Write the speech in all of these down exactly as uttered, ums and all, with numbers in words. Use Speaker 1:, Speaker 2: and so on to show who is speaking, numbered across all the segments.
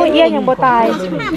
Speaker 1: เอี้ยยังบ่ตาย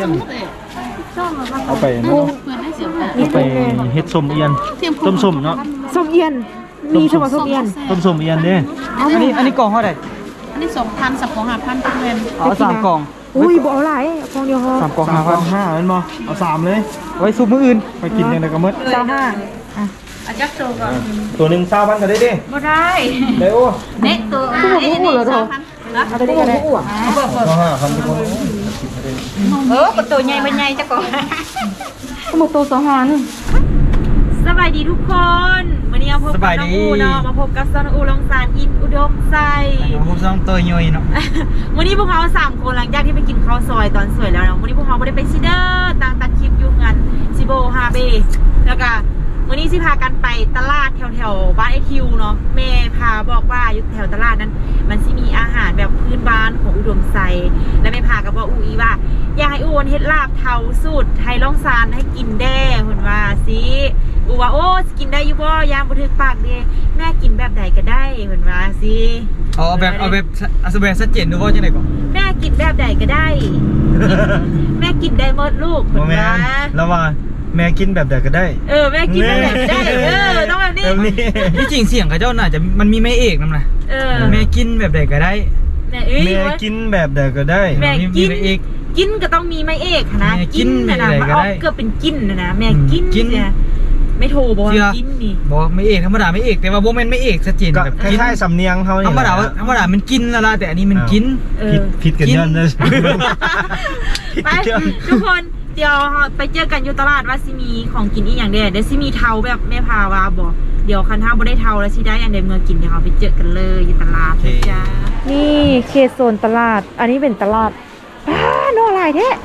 Speaker 2: เอาไปเนาะเอาไปเฮ็ดส้มเอียนต้มส้มเนาะ
Speaker 1: ส้มเอี้ยนมีชมส้มเอี้ยน
Speaker 2: ต้มส้มเอียนเด้
Speaker 3: อันนี้อันนี้กล่องเท่าไหร่
Speaker 4: อันนี้สองพันสับของห้าพันทุกเงิน
Speaker 3: เอาสามกล่อง
Speaker 1: อุ้ยบ่เอาหลายฟองเดียวพอ
Speaker 3: สามกล่อง
Speaker 2: สาม
Speaker 3: ห้า
Speaker 2: พั
Speaker 3: พั
Speaker 2: น
Speaker 3: น
Speaker 2: ห้าเป็นบ่เอาสามเลย
Speaker 3: ไว้ซุปมื้ออื่น
Speaker 2: ไปกินกันเลยก็มืด
Speaker 1: เจ้าห้าอ่ะ
Speaker 4: อาจักโตก่อน
Speaker 2: ตัวหนึ่งเศร้าพันก็ได้ดิ
Speaker 4: บ่ได้
Speaker 2: เด้โอ้
Speaker 4: เน็กตัวอันนี้นี่สองพันนะ
Speaker 1: เอาไปได้กันได้
Speaker 2: ก็ห้าพันทุกคน
Speaker 4: เออประตูใหญ่เป็นใหญ่จักก่อน
Speaker 1: ก็หมดตัวสองหัน
Speaker 5: สบายดีทุกคนวันนี้มาพบกับน้องอูเนาะมาพบกับซอนอูลองซานอินอุดมไซ
Speaker 3: ผมต้องตัวย่อยเนาะ
Speaker 5: วันนี้พวกเขาสามคนหลังจากที่ไปกินข้าวซอยตอนสวยแล้วเนาะวันนี้พวกเขาไม่ได้ไปซิเดอร์ต่างตัดคลิปยุ่งกันซิโบฮาเบแล้วก็วันนี้สิพากันไปตลาดแถวแถวบ้านไอคิวเนาะแม่พาบอกว่าอยู่แถวตลาดนั้น มันสิมีอาหารแบบพื้นบ้านของอุดมไซและแม่พากับบอกอูอีว่าอยากให้อูวนเฮ็ดลาบเทาสูตรไทยล่องซานให้กินแด้เห็นว่าสิอูว่าโอ้กินได้อยู่บ่ยามบ่ถึกปากเด้แม่กินแบบใดก็ได้เห็นว่าสิ
Speaker 3: เอาแบบเอาแบบเอาแบบชัดเจนดูว่าจังได๋ก่อน
Speaker 5: แม่กินแบบใดก็ได้ แม่กินได้หมดลูกเห็
Speaker 2: โม
Speaker 5: น
Speaker 2: แม
Speaker 5: ว่าน
Speaker 2: แล้วว่าแม่กินแบบใดก็ได้
Speaker 5: เออแม่กินแบบใดก็ได้เออต้องแบบนี้
Speaker 2: แบบนี้
Speaker 3: ที่จริงเสียงเขาเจ้าน่าจะมันมีแม่เอกนำนะ
Speaker 5: เออ
Speaker 3: แม่กินแบบใดก็ได้
Speaker 5: แม่เอ้ย
Speaker 2: แม่กินแบบใดก็ได้
Speaker 5: แม่
Speaker 3: มี
Speaker 5: กิน
Speaker 3: แม่เอก
Speaker 5: กินก็ต้องมีไม้เอกนะ
Speaker 3: แม่กิ
Speaker 5: กิ
Speaker 3: น
Speaker 5: นนะนะ
Speaker 3: อะไร
Speaker 5: มัน
Speaker 3: ก็
Speaker 5: ออก
Speaker 3: ได้
Speaker 5: เกือบเป็นกินนะนะแม่กิน
Speaker 3: กิน
Speaker 5: เนี่ยไม่โทรบอก
Speaker 3: เชื่อ
Speaker 5: ว่ากินนี่
Speaker 3: บอกแม่เอกธรรมดาแม่เอกแต่ว่าบ่แม่นแม่เอกชัดเจน
Speaker 2: ก็
Speaker 3: แบบ
Speaker 2: ค
Speaker 3: กิน
Speaker 2: ล้ายๆสำเนียงเขา
Speaker 3: ธรรมดาว่าธรรมดามันกินแล้วล่ะแต่อันนี้มันกิน
Speaker 5: เอ
Speaker 2: ผิ
Speaker 5: อ
Speaker 2: ดผิดกันย้อนเลย
Speaker 5: ไปทุกคนเดี๋ยวไปเจอกันอยู่ตลาดว่าซิมีของกินอีกอย่างเดียวเดี๋ยวซิมีเทาแบบแม่พาวาบอกเดี๋ยวคันท่าบ่ได้เทาแล้วสิได้อันใดเมื่อกินเดี๋ยวเราไปเจอกันเลยอยู่ตลาดนะจ้า
Speaker 1: นี่เขตโซนตลาด อันนี้เป็นตลาดป้าโน่หลายแท้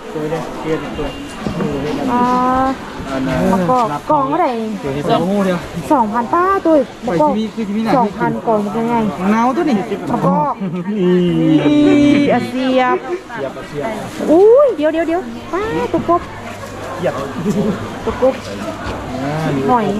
Speaker 1: อ่าแล้วก็กล่องเท่าไหร่
Speaker 3: โอ้โหเดียว
Speaker 1: สองพันป้าตัว
Speaker 3: ไป
Speaker 1: ก็
Speaker 3: ที่มีคือที่มีหน้า
Speaker 1: สองพันกล่องมันเป็นไง
Speaker 3: หนาวตัวนี้
Speaker 1: แล้วก็นี่อาเซียบอุ้ยเดี๋ยวเดี๋ยวเดี๋ยวป้าตุ๊กกบ
Speaker 2: เหยียบ
Speaker 1: ตุ๊กกบหอย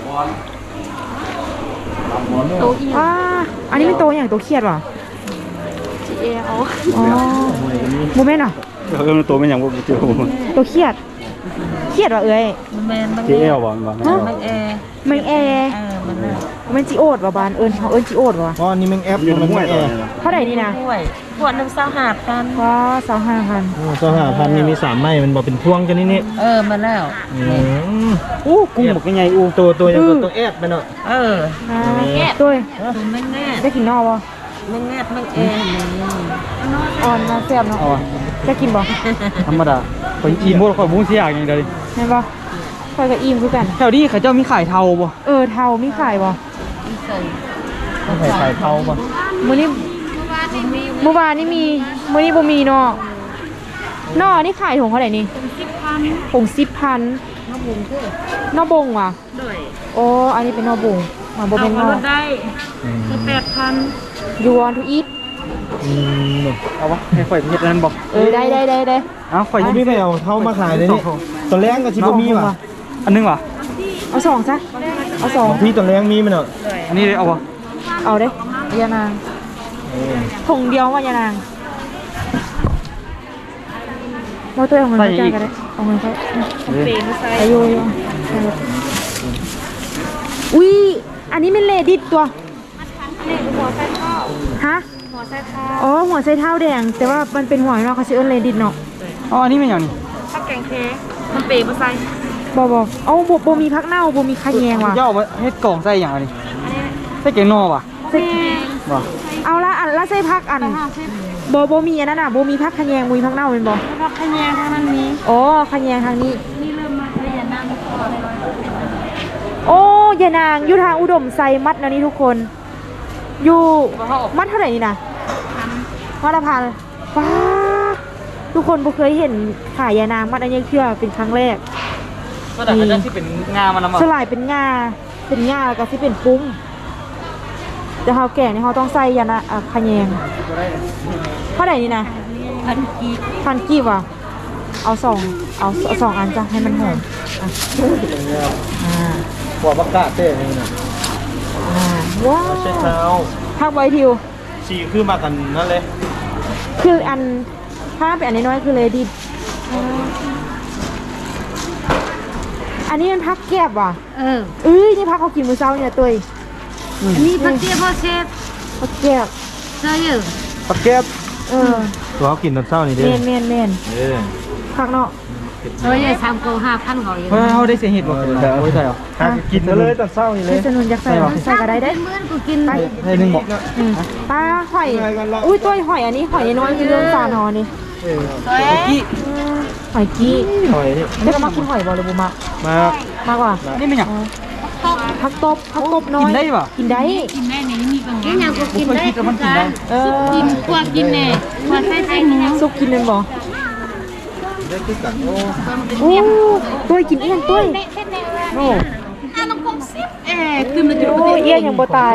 Speaker 1: อ่าอันนี้เป็นโตอย่างโตเครียดว่ะ
Speaker 4: จีเอล
Speaker 1: อ๋อโมเมนต์อ่ะ
Speaker 2: เออตัวมันอย่างว่าเจียว
Speaker 1: โตเครียดเครียดว่ะเอ้ย
Speaker 4: แมนมัน
Speaker 2: เจียวบ่บ่
Speaker 1: ฮะ
Speaker 4: มันแอร์
Speaker 1: แมงแอร์
Speaker 4: เออมันน่ะ
Speaker 1: มันจีโอดว่ะบานเอิญเขาเอิญจีโอดว่ะ
Speaker 2: อ๋อนี่แมงแอปมันแอร์
Speaker 1: เท่าไหร่นี่นะ
Speaker 4: ด้วยขวดหนึ่งเศร้าหาพัน
Speaker 1: ว้าสองห้าพัน
Speaker 2: โอ้สหพันธ์นี่มีสามไม้มันบอกเป็นพวงจังนี่นี่
Speaker 4: เออมาแล้ว
Speaker 2: อู้กุ้งบอกยังไงอู้ตัวตัวยังตัวแอดไปเนาะ
Speaker 4: เออ
Speaker 1: อ่า
Speaker 4: แงะ
Speaker 1: ด้วย
Speaker 4: ตัวแม่งแง่
Speaker 1: ได้กินนอกบ่
Speaker 4: แม่งแง่แม่งแอร์นี่
Speaker 1: อ่อนมาแซ่บเนาะ
Speaker 3: เอาอะ
Speaker 1: จะกินบ่
Speaker 3: ธรรมดาไปอีโมดข่อยบุ้งเสียอย่างเดียวดิ
Speaker 1: แม่นบ่คอยกับอิ่มคือกัน
Speaker 3: แถวนี้เขาเจ้ามีขายเทาบ่
Speaker 1: เออเทามีขายบ่
Speaker 4: ใส่
Speaker 2: ไข่ไข่เท้าป่ะ
Speaker 1: มื้อนี้เมื่อวานนี่มีมื้อนี้บ่มีเนาะนอนี่ขายถุงเท่าไหร่นี่ถุงสิบพัน
Speaker 4: น้องบุญคือน
Speaker 1: อบงว่ะ
Speaker 4: ด้วย
Speaker 1: โอ้อันนี้เป็นนอบงมาบ่เป็นนอ
Speaker 4: ได้คือแปดพัน
Speaker 1: you want to eat
Speaker 2: อืม
Speaker 3: เอาวะให้ข่อยเฮ็ดอันนั้นบ่
Speaker 1: เออได้ได้ได้ได้
Speaker 3: เอาข่อย
Speaker 2: เขาไม่ไปเอาเท้ามาขายเลยนี่ตัวแรงกับชิบมีว่ะ
Speaker 3: อันนึงว่ะ
Speaker 1: เอาสองซะเอาสอง
Speaker 2: พี่ตัวแรงมีมันเนาะ
Speaker 3: อันนี้เลยเอาบ่
Speaker 1: เอาเด้ยานางถุงเดียวว่ายานางเราตัวเอาเงินไปจ่ายกันได้เอาเงินไป
Speaker 4: เปย์มาใส่
Speaker 1: อายุอยู่อุ้ยอันนี้เป็นเลดิตตัว
Speaker 4: นี่หัวใส่ข้าว
Speaker 1: ฮะ
Speaker 4: หัวใส่ข้าว
Speaker 1: อ๋อหัวไชเท้าแดง แต่ว่ามันเป็นหัวเนาะเขาชื่อเลดิตเนาะ
Speaker 3: อ๋ออันนี้เป็นอย่างนี้
Speaker 4: ข้าวแกงเค้กมันเปย์มาใส่
Speaker 1: บอบอเอาบบบมีพักเน่าบมีขะแยงว่ะ
Speaker 3: เจ้าเอาไว้เฮ็ดกล่องใส่อย่างอันนี้ใส่แกงนอว่ะ
Speaker 1: ใส่
Speaker 3: บ่
Speaker 1: เอาละอันละใส่พักอันบอบมีอันนั้นอ่ะบมีพักขะแยงบมีพักเน่าเป็นบอ
Speaker 4: พักขยงทางนั้นนี้
Speaker 1: อ๋อขะแยงทางนี้
Speaker 4: นี่เริ่มมาขยันนั่งพอเลย
Speaker 1: โอ้ยายนางอยู่ทางอุดมไซมัดนะนี่ทุกคน อยู่มัดเท่าไหร่นี่นะมัดละพันว้าทุกคนบ่เคยเห็นขายยานางมัดอันนี้เชื่อเป็นครั้งแรก
Speaker 3: ก็แต่เขาจะที่เป็นงามันนำ
Speaker 1: สลายเป็นงาเป็นงาแล้วก็ที่เป็นปุ้งแต่เขาแก่เนี่ยเขาต้องใส่ยานะอ่ะขะแยงเท่าไหร่นี่นะ
Speaker 4: พันกีบ
Speaker 1: พันกี่ว่ะเอาสองเอาเอาสองอันจ้ะให้มันหอมอ่ะอ่า
Speaker 2: หัวประกาศเต้นี่นะ
Speaker 1: อ่าว้าว
Speaker 2: ใช้เท้า
Speaker 1: พักไว้ทิว
Speaker 2: สีคือมากันนั่นเลย
Speaker 1: คืออันผ้าเป็นอันน้อยๆคือเลยดิอันนี้มันพักแก็บว่ะ
Speaker 4: เออ
Speaker 1: เอ้ยนี่พักเขากินมื้อเช้าเนี่ยตัว
Speaker 4: อันนี้พักเตี้ยพ่อเชฟ
Speaker 1: พักแก็บ
Speaker 4: ใช่เหรอ
Speaker 2: ปักแก๊บ
Speaker 1: เออ
Speaker 2: ตัวเขากินตอนเช้านี่
Speaker 1: เม
Speaker 2: เด้
Speaker 1: นเมนเมน
Speaker 2: เออ
Speaker 1: พักเนาะ
Speaker 4: เฮ้ยสามโกห้าพันเขาอยู่
Speaker 3: เฮ้ยเขาได้เสียเหตุบ่
Speaker 2: แต่เอาไว้ใส่หรอกินเลยตอนเช้านี่เล
Speaker 1: เฮ้
Speaker 2: ย
Speaker 1: ยสนุนอยากใส่หรอใส่ก็ได้เด้
Speaker 4: เมื่อกูกิน
Speaker 1: ไป
Speaker 3: ให้หนึ่งบอก
Speaker 1: อืมปลาหอยอุ้ยตัวหอยอันนี้หอยน้อยคือเรื่องปลาหนอนี่
Speaker 3: กี้
Speaker 1: อืมหอยกี้
Speaker 2: หอยนี่
Speaker 1: ได้ก็มากินหอยบ่เลยบุมะ
Speaker 2: มาม
Speaker 1: ากกว่า
Speaker 3: นี่มันหยัง
Speaker 1: ผักตบผักตบน้อย
Speaker 3: กินได้ป่ะ
Speaker 1: กินได้
Speaker 4: กินได้ในนี้มีบางอย่างยังกูกินได้
Speaker 3: คิดว่ามันกินได้
Speaker 1: เออ
Speaker 4: กินกว่ากินแน่กว่าใส่ใส่หมู
Speaker 1: ซุปกินเป็นบ่
Speaker 2: ได้คือกันโอ้
Speaker 1: โอ้ตัวกินเอี้ยนตัว
Speaker 2: โอ้
Speaker 4: เอ๊ะคือมันจะ
Speaker 1: โอ้เอี้ยนยังบ่ตาย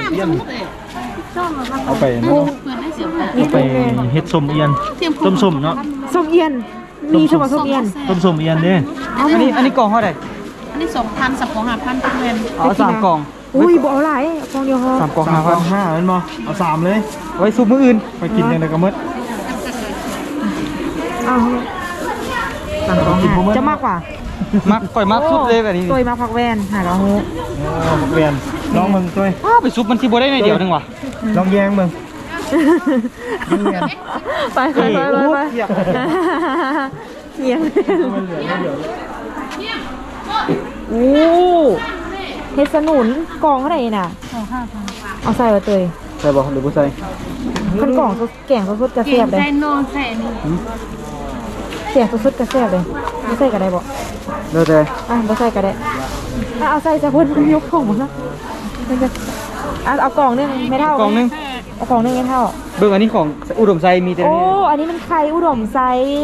Speaker 2: เอาไป
Speaker 1: โอ้
Speaker 4: เปิดได้เสียบ
Speaker 1: นี่
Speaker 2: ไป
Speaker 1: เป็นไง
Speaker 2: เฮ็ดส้มเอียนต้มส้มเนาะ
Speaker 1: ส้มเอี้ยนมีสมบัติส้มเอี้ยน
Speaker 2: ต้มส้มเอียนเด้
Speaker 1: เอา
Speaker 3: อัน
Speaker 1: มา
Speaker 3: นี้อันนี้กล่องเท่าไหร่
Speaker 4: อันนี้สองพันสับของห้าพันเพื่อน
Speaker 3: เอาสามกล่อง
Speaker 1: อุ้ยบ่เอาหลายกองเดียวพอ
Speaker 3: สามกล่อง
Speaker 2: สา
Speaker 3: ห้าม พัน
Speaker 2: ห้าแม่นบ่เอาสามเลย
Speaker 3: ไว้ซุปมื้ออื่น
Speaker 2: ไปกินยังไงก็หมด
Speaker 1: เอาสั่งของหาจะมากกว่า
Speaker 3: มักก่อยมักซุปเลยแบบนี้
Speaker 1: ตัวมาพักแวนหากระหู
Speaker 2: โอ้เรียนลองมึงด้วย
Speaker 3: อ้าวไปซุปมันที่บ่ได้ในเดียวนึงว่ะ
Speaker 2: ลองแยงมึง
Speaker 1: ไปไปไปไปไปเงียบโอ้เฮ็ดสนุนกล่องเท่าไหร่น่ะ
Speaker 4: สองห้าพัน
Speaker 1: เอาใส่ไว้เตย
Speaker 3: ใส่บ่หรือบ่ใส่
Speaker 1: ขั้นกล่องสดแกงสดๆกระ
Speaker 4: กิ
Speaker 1: เสีย
Speaker 4: น
Speaker 1: บเลย
Speaker 4: ใส่นอนใส่นี่
Speaker 1: แกงสดๆกระเสียบเลยไม่ใส่ก็ได้บ่
Speaker 3: เด้อแต่
Speaker 1: อ่ะไม่ใส่ก็ได้อ่ะเอาใส่ซะเพิ่นยกของมาแล้วมันจะอ่ะเอากล่องนึงไม่เท่าก
Speaker 3: ล่องนึง
Speaker 1: เอากล่องนึงไม่เท่า
Speaker 3: เบิ่งอันนี้ของอุดมไซมีแต่
Speaker 1: โอ้
Speaker 3: นี่
Speaker 1: อันนี้มันไข่อุดมไซ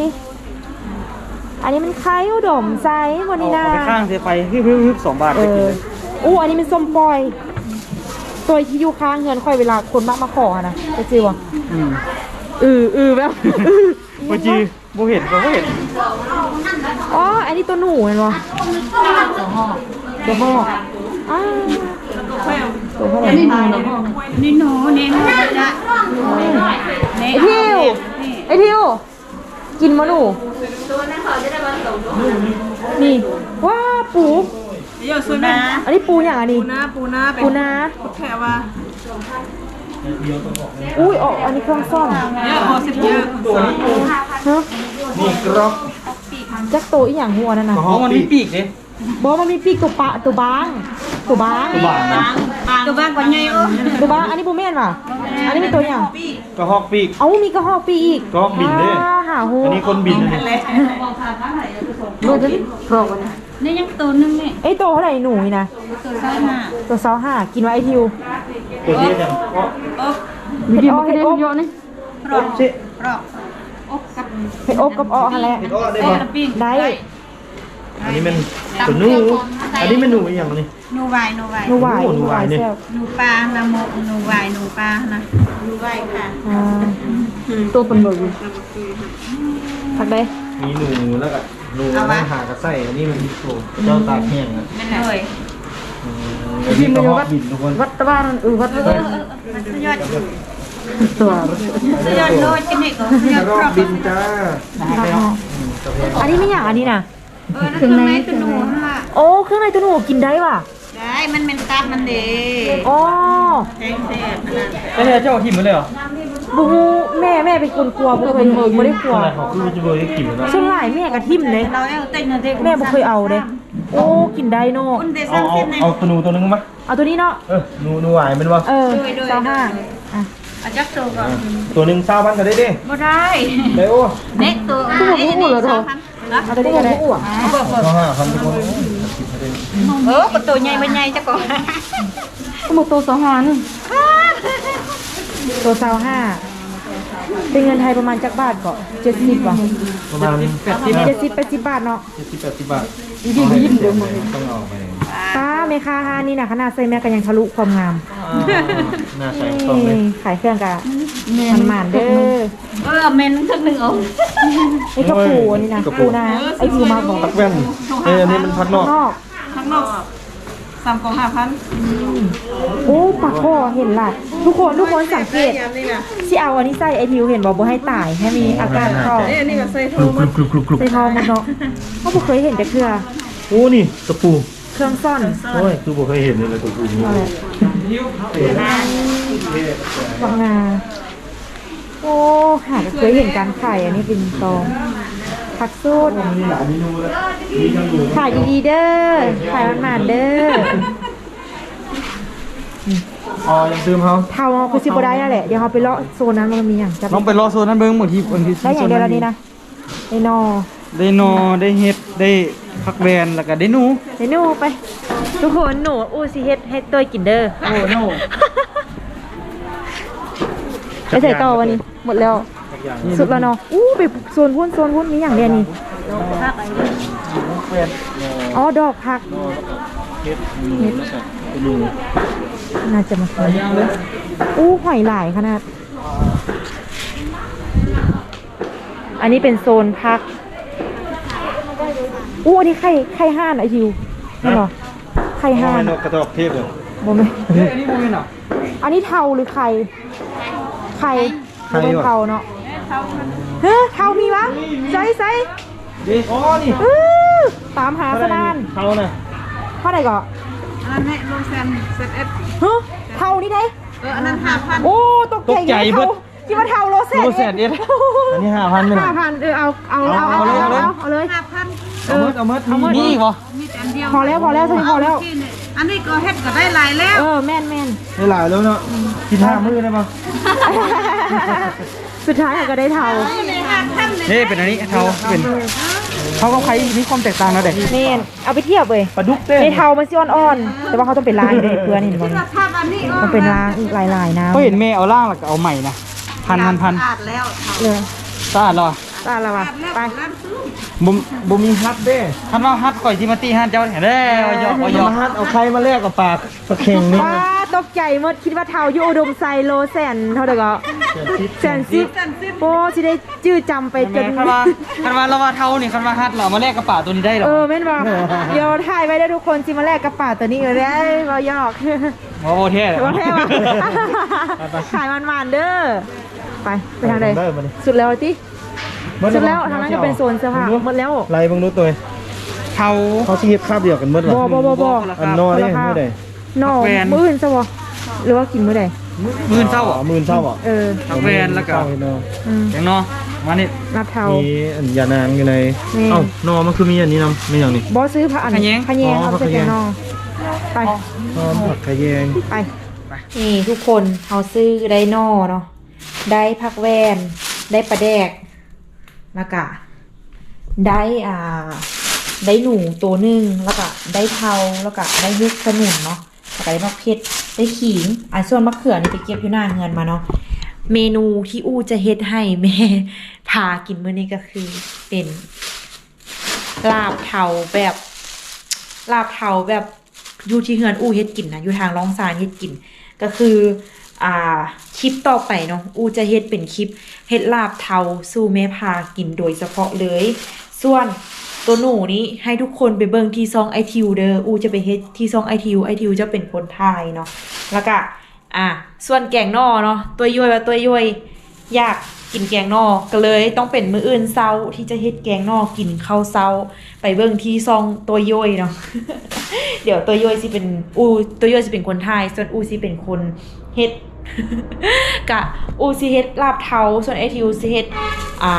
Speaker 1: อันนี้มันไข่อุดมไซวันนี้นะ
Speaker 3: เอาไปข้างเสียไปฮึบๆๆสองบาท
Speaker 1: เอ
Speaker 3: ไปกิน
Speaker 1: อ
Speaker 3: เลย
Speaker 1: อู้อันนี้มันส้มปล่อย ตัวที่อยู่ข้างเงินค่อยเวลาคนมากมาขออะนะจะจือวะ
Speaker 3: อืม
Speaker 1: อืออือแบบอือ
Speaker 3: บ่จีบ่เห็นบ่เห็น
Speaker 1: อ๋อ อันนี้ตัวหนูเห็นปะตัวห่อตัวห่ออ้าวตัวเท่าไหร่
Speaker 4: นี่หนูนี่หนูจะ
Speaker 1: ไอทิวไอทิวกินมะหนูนี่ว้าปู
Speaker 5: เดี๋ยวซื้อนะ
Speaker 1: อันนี้ปูอย่างอันนี้
Speaker 5: ปูนาปูนาเป็น
Speaker 1: ปูนา
Speaker 5: แค่ว่า
Speaker 1: อุ้ยอ๋ออันนี้เครื่องซ่อม
Speaker 5: เยอะพอสิบเยอะ
Speaker 1: ฮะ
Speaker 2: นี่กรอบ
Speaker 1: จักโตอีหยังหัวนั่นน่ะ
Speaker 3: อ๋อมันมีปีกเด้
Speaker 1: บอกมันมีปีกตัวปะตัวบางตัวบาง
Speaker 2: บาทนะ
Speaker 4: ตัวบ้านก่อนไงเออ
Speaker 1: ตัวบางอันนี้ปูแม่นว่ะอันนี้เป็นตัวอย่าง
Speaker 2: กระหอกปีก
Speaker 1: เอ้ามีกระหอกปีกอีก
Speaker 2: กระหอกบินเด้
Speaker 1: อ่าหาหู
Speaker 2: อันนี้คนบินอันนี้
Speaker 1: ดูจะกรอกนะ
Speaker 4: นี่ยังตัวนึงนี่
Speaker 1: ไอ้โตเท่าไหร่หนูนี่นะ
Speaker 4: ตัวใส่มา
Speaker 1: ตัวเซาห้ากินไว้ไอทิว
Speaker 2: ตัวนี้เนี่ยเพราะ
Speaker 1: วิดีโอเห็ดอบเยอะนี่
Speaker 2: รอบสิ
Speaker 4: รอบอบกับ
Speaker 1: เห็ดอบกับอ้อฮะแหละ
Speaker 2: เห็ดอ้อได้ป่ะ
Speaker 4: ปิ้ง
Speaker 1: ได้
Speaker 2: อันนี้มันตัวหนูอันนี้มันหนูอีกอย่างนี้
Speaker 4: หนูวายหนูวาย
Speaker 1: หนูหวาย
Speaker 2: โอ้หนูหวายเนี่ย
Speaker 1: แซ่บ
Speaker 4: หนูปลานะโมหนูวายหนูปลานะหนูวายค่ะ
Speaker 1: อ่าตัวเป็นเบอร์ผักได้
Speaker 2: มีหนูแล้วก็หนูไม่หากระใส่อันนี้มันโอ้เจ้าตากแห้งอ่ะ
Speaker 4: นั่นเลย
Speaker 2: อันนี้กระหอกบินทุกคน
Speaker 1: วัดตะบ้านเออวัดตะบ้าน
Speaker 4: สุดยอด
Speaker 1: ตัว
Speaker 4: สุดยอดโลดกันนี่ก็สุดยอด
Speaker 2: กระห
Speaker 4: ค
Speaker 2: อ
Speaker 4: ร
Speaker 2: ก
Speaker 4: บ
Speaker 2: บินจ้า
Speaker 1: อันนี้ไม่อย่างอันนี้นะ
Speaker 4: เออเครื่องในตัวหนูค่ะ
Speaker 1: โอ้เครื่องในตัวหนูกินได้ป่ะ
Speaker 4: ได้มันเป็นตับมันเด้
Speaker 1: อ๋อ
Speaker 4: แทงเสร็จ
Speaker 3: ไม่ได้เจ้าทิ่มมันเลยเหรอ
Speaker 1: บูแม่แม่เป็นคนกลัวบ่เคยไม่ได้กลัว
Speaker 2: อะไรเขาคือจะโดยกินแล้ว
Speaker 1: ส่วนหลายแม่กระทิ่มเลย
Speaker 4: เราเอาเต้นนะเด็ก
Speaker 1: แม่บ่เคยเอาเด้โอ้กินได้เนาะ
Speaker 4: คุณเด
Speaker 2: เอา
Speaker 4: ซัง
Speaker 2: เอา
Speaker 4: เส้นนะ
Speaker 2: เอาตัวหนูตัวนึงมา
Speaker 1: เอาตัวนี้เนาะ
Speaker 2: เออหนูหนูหวายมันวะ
Speaker 1: เออสามห้าอ่ะ
Speaker 4: อาจักตัวก่อน
Speaker 2: ตัวหนึ่งเศร้าพันก็ได้ดิ
Speaker 4: บ่ได้
Speaker 2: ได้โอ้
Speaker 4: เน็กตัว
Speaker 1: ผู้บอกผู้เหรอเธอ เอาตัวนี้ก็ได้
Speaker 2: เศร้าห้าพันทุกคน
Speaker 4: เออประตูใหญ่บ่ใหญ่จักก่อน
Speaker 1: ผู้บอกตัวสองห้านึงตัวสาวห้าเป็นเงินไทยประมาณจักบาทก็เจ็ดสิบว่ะ
Speaker 2: ประมาณแปดสิบ
Speaker 1: เจ็ดสิบแปดสิบบาทเนาะ
Speaker 2: เจ็ดสิบแปดสิบบาทยิ้มยิ้มเดี๋ยวมึงต้องเอาไป
Speaker 1: ป้าเมคาฮานี่นะขนาดใส่แม่ก็ยังทะลุความงาม
Speaker 2: น่าใส่ต้องเลย
Speaker 1: นี่ขายเครื่องกะมันหมานเด้อ
Speaker 4: เออเมนทั้งหนึ่งองค์
Speaker 1: ไอ้กระปูอันนี้นะกระปูนะไอ้ปูมาบอก
Speaker 2: พักแว่นเอออันนี้มันพักนอก
Speaker 1: นอก
Speaker 5: ข้างนอก
Speaker 1: น
Speaker 4: สามกล่องห้าพัน
Speaker 1: โอ้ปากคอเห็นละทุกคนทุกคนสังเกตที่เอาอันนี้ใส่ไอทิวเห็นบอกบ่ให้ตายให้มีอาการคอ
Speaker 4: นี่อันนี้ก็ใส่โท
Speaker 2: กรุบกรุบกรุบกรุบกรุบ
Speaker 1: ใส่ทองมันเนาะเขาบ่เคยเห็นแต่เครือ
Speaker 2: โอ้นี่ตะปู
Speaker 1: เครื่องซ่อน
Speaker 2: โอ้ยคือบ่เคยเห็นเลยตะปูนี่
Speaker 1: อะไรบางนาโอ้หาจะเคยเห็นการขายอันนี้เป็นตองผักสูตร
Speaker 2: มีหลายเมนูแล้วมีทั้งหมู
Speaker 1: ขายดีๆเด้อขายมันๆเด้อ
Speaker 3: อ๋อยังซื้อเขา
Speaker 1: เท่าคือสิบ่ได้นั่นแหละเดี๋ยวเขาไปเลาะโซนนั้นมันมีอย่างจะ
Speaker 3: ลองไปรอโซนนั้นเบิ้งบางทีบางที
Speaker 1: ได้อย่างเดียวแล้วนี่นะได้นอ
Speaker 3: ได้นอได้เฮ็ดได้ผักแวนแล้วก็ได้หนู
Speaker 1: เดี๋ยวหนูไป ทุกคนหนูอู้สิเฮ็ดให้เตยกินเด้อ
Speaker 3: โอ้โน
Speaker 1: ไปใส่ต่อวันนี้หมดแล้วสุดแล้วเนาะอู้ไปโซนพุ่นโซนพุ่นมีอย่างเดียวนี่อ๋อดอกผัก
Speaker 2: เฮ็ดหมูแล้วก็เป็นหมู
Speaker 1: น่าจะมาซื้ออู้หอยหลายขนาด อันนี้เป็นโซนพักอู้อันนี้ไข่ไข่ห่านไอทิวนี่เหรอไข่ห่าน
Speaker 2: นกกระตอกเทพเลย
Speaker 1: บ่ไหม
Speaker 3: เฮ้ยอันนี้โมเมนต์อ่ะ
Speaker 1: อันนี้เทาหรือไข่ไข่
Speaker 3: ไข่
Speaker 1: เป็น
Speaker 3: ว่ะ
Speaker 1: เทาเนาะเฮ้ยเทามีวะใส่ใส่
Speaker 2: ดิอ๋อนี่
Speaker 1: อื้อตามหาสนาน
Speaker 2: เขาน่ะ
Speaker 1: เท่าไหร่ก่อน
Speaker 4: อันนั้นแม่โลแซนเซตเอส
Speaker 1: ฮะเทานี่ได้
Speaker 4: เอออันนั้นห้าพัน
Speaker 1: โอ้ตกใจเทาคิดว่าเทาโลเซน
Speaker 3: โลแสนเอ็ดอันนี้ห้าพันไม่หร
Speaker 1: ห้า
Speaker 3: อ
Speaker 1: พันเออเอาเอาเอาเอาเอาเอาเอาเลย
Speaker 4: ห้าพัน
Speaker 3: เอาเมิดเอาเมิดมีอีกเหรอ
Speaker 4: มีแต่อันเดียว
Speaker 1: พอแล้วพอแล้วเท่านี้พอแล้ว
Speaker 4: อันนี้ก็เฮ็ดก็ได้หลายแล้ว
Speaker 1: เออแม่นแม่น
Speaker 3: ได้หลายแล้วเนาะกินห้ามื้อได้ป่ะ
Speaker 1: สุดท้ายก็ได้เทา
Speaker 3: เฮ้เป็นอันนี้เทาเป็นเขากับใครมีความแตกต่างนะเด็ก
Speaker 1: แม่นเอาไปเทียบเลย
Speaker 3: ปลาดุกเต้น
Speaker 1: ในเทามันสิอ่อนๆแต่ว่าเขาต้องเป็นลายเลยเพื่อนเห็นบ่นี่
Speaker 4: ภาพอันนี้
Speaker 1: มันเป็นลางอีกลายๆน้ำ
Speaker 3: เขาเห็นแม่เอาล่างแล้วก็เอาใหม่นะพันพันพัน
Speaker 4: ขาดแล้ว
Speaker 1: เลย
Speaker 3: สะอาดเหรอ
Speaker 1: ตาละวะไป
Speaker 3: บ่มบ่มีฮัทเด้ฮัทว่าฮัทข่อยที่มาตีฮัทเจ้าแถวเด้เอาหยอกเอาหยอกฮัทเอาใครมาแลกกับปากปลาเข่งนี่
Speaker 1: ว้าตกใจหมดคิดว่าเทาอยู่อุดมไซโลแสนเท่าเด็กก็แสนสิบโอ้สิได้จื้อจำไปจน
Speaker 3: คันว่าคันว่าเราว่าเท่านี่คันว่าฮัทเรามาแลกกับปากตัวนี้ได้หรอ
Speaker 1: เออแม่นบ่เดี๋ยวถ่ายไว้ได้ทุกคนสิมาแลกกระป๋าตัวนี้เออได้บ่ยอก
Speaker 3: โอ้โหเท่เลย
Speaker 1: ว่าแท้ว่ะขายมันๆเด้อไปไปทางใดสุดแล้วติสุดแล้วทางนั้นก็เป็นโซนเสื้อผ้าหมดแล้ว
Speaker 2: ไล่เบิ่งดูตัว
Speaker 3: เท่า
Speaker 2: เขาสิเฮ็ดคาบเดียวกันหมด
Speaker 1: บ่บ่บ่บ่
Speaker 2: อันนอได้มื้อใด
Speaker 1: นอมื้ออื่นซะบ่หรือว่ากินมื้อใด
Speaker 3: หมื่นเท่า
Speaker 2: อ๋อหมื่นเท่าอ่ะ
Speaker 1: เออ
Speaker 3: ทักแวนแล้วก็
Speaker 1: อืม
Speaker 3: อย่างเนาะมานี่
Speaker 1: รับเทา
Speaker 2: มีอันยานางอยู่ใน
Speaker 1: นี่
Speaker 2: เอ้านอมันคือมีอันนี้นำมีอย่างนี้
Speaker 1: บอซื้อผักอัน
Speaker 3: ขะแยง
Speaker 1: ขะแยง
Speaker 2: อ๋อ
Speaker 1: เอาไป
Speaker 2: ขะแย
Speaker 1: แก
Speaker 2: ง
Speaker 1: งนอไป
Speaker 2: นอผักขะแยง
Speaker 1: ไปนี่ทุกคนเขาซื้อได้นอเนาะได้ผักแวนได้ปลาแดกแล้วก็ได้อ่าได้หนูตัวหนึ่งแล้วก็ได้เทาแล้วก็ได้เฮ็ดขนุนเนาะแล้วก็ได้มะเขือได้ขิงอันส่วนมะเขือนี่ไปเก็บอยู่หน้าเงินมาเนาะเมนูที่อู้จะเฮ็ดให้แม่พากินมื้อนี้ก็คือเป็นลาบเทาแบบลาบเทาแบบอยู่ที่เฮือนอู้เฮ็ดกินนะอยู่ทางร้องซานเฮ็ดกินก็คืออ่าคลิปต่อไปเนาะอู้จะเฮ็ดเป็นคลิปเฮ็ดลาบเทาสู่แม่พากินโดยเฉพาะเลยส่วนตัวหนูนี้ให้ทุกคนไปเบิ่งที่ซองไอทิวเด้ออู้จะไปเฮ็ดที่ซองไอทิวไอทิวจะเป็นคนไทยเนาะแล้วก็อ่ะส่วนแกงนอเนาะตัวย่อยว่าตัวย่อยอยากกินแกงนอก็เลยต้องเป็นมื้ออื่นเช้าที่จะเฮ็ดแกงนอกินข้าวเช้าไปเบิ่งที่ซองตัวย่อยเนาะ เดี๋ยวตัวย่อยสิเป็นอูตัวย่อยสิเป็นคนไทยส่วนอูสิเป็นคนเฮ็ด กะอูสิเฮ็ดลาบเทาส่วนไอทิวสิเฮ็ดอ่า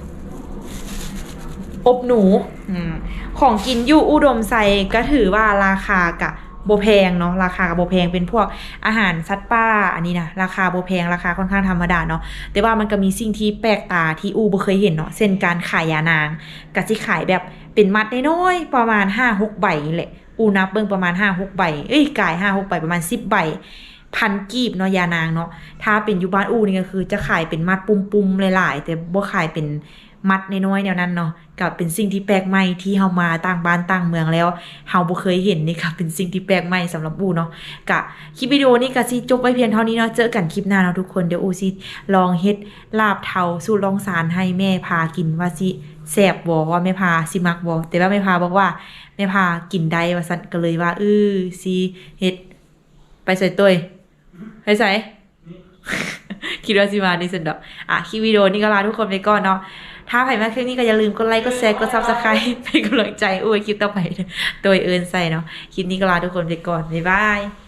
Speaker 1: อบหนูอืมของกินอยู่อุดมไซก็ถือว่าราคากะโบแพงเนาะราคากับโบแพงเป็นพวกอาหารสัตว์ป่าอันนี้นะราคาโบแพงราคาค่อนข้างธรรมดาเนาะแต่ว่ามันก็มีสิ่งที่แปลกตาที่อูบ่เคยเห็นเนาะเช่นการขายยานางกะสิขายแบบเป็นมัดน้อยๆประมาณ ห้าหก ใบนี่แหละอูนับเบิ่งประมาณ ห้าหก ใบเอ้ยกาย ห้าหก ใบประมาณสิบใบ
Speaker 5: พันกีบเนาะยานางเนาะถ้าเป็นอยู่บ้านอูนี่ก็คือจะขายเป็นมัดปุ่มๆหลายๆแต่บ่ขายเป็นมัดน้อยๆแนวนั้นเนาะก็เป็นสิ่งที่แปลกใหม่ที่เฮามาต่างบ้านต่างเมืองแล้วเฮาบ่เคยเห็นนี่ค่ะเป็นสิ่งที่แปลกใหม่สำหรับอูเนาะก็คลิปวิดีโอนี้ก็สิจบไว้เพียงเท่านี้เนาะเจอกันคลิปหน้าเนาะทุกคนเดี๋ยวอูสิลองเฮ็ดลาบเทาสูตรลองสารให้แม่พากินว่าสิแซ่บบ่ว่าแม่พาสิมักบ่แต่ว่าแม่พาบอกว่าแม่พากินได้ว่าซั่นก็เลยว่าเออสิเฮ็ดไปใส่ตุ้ยไปใส่ คิดว่าสิมานี่สุดดอกอ่ะคลิปวิดีโอนี้ก็ลาทุกคนไปก่อนเนาะถ้าใครมาคลิปนี้ก็อย่าลืมกดไลค์กดแชร์กด ซับสไครบ์ เป็นกำลังใจอุ้ยคลิปต่อไปโดยเอิญใส่เนาะคลิปนี้ก็ลาทุกคนไปก่อนบ๊ายบาย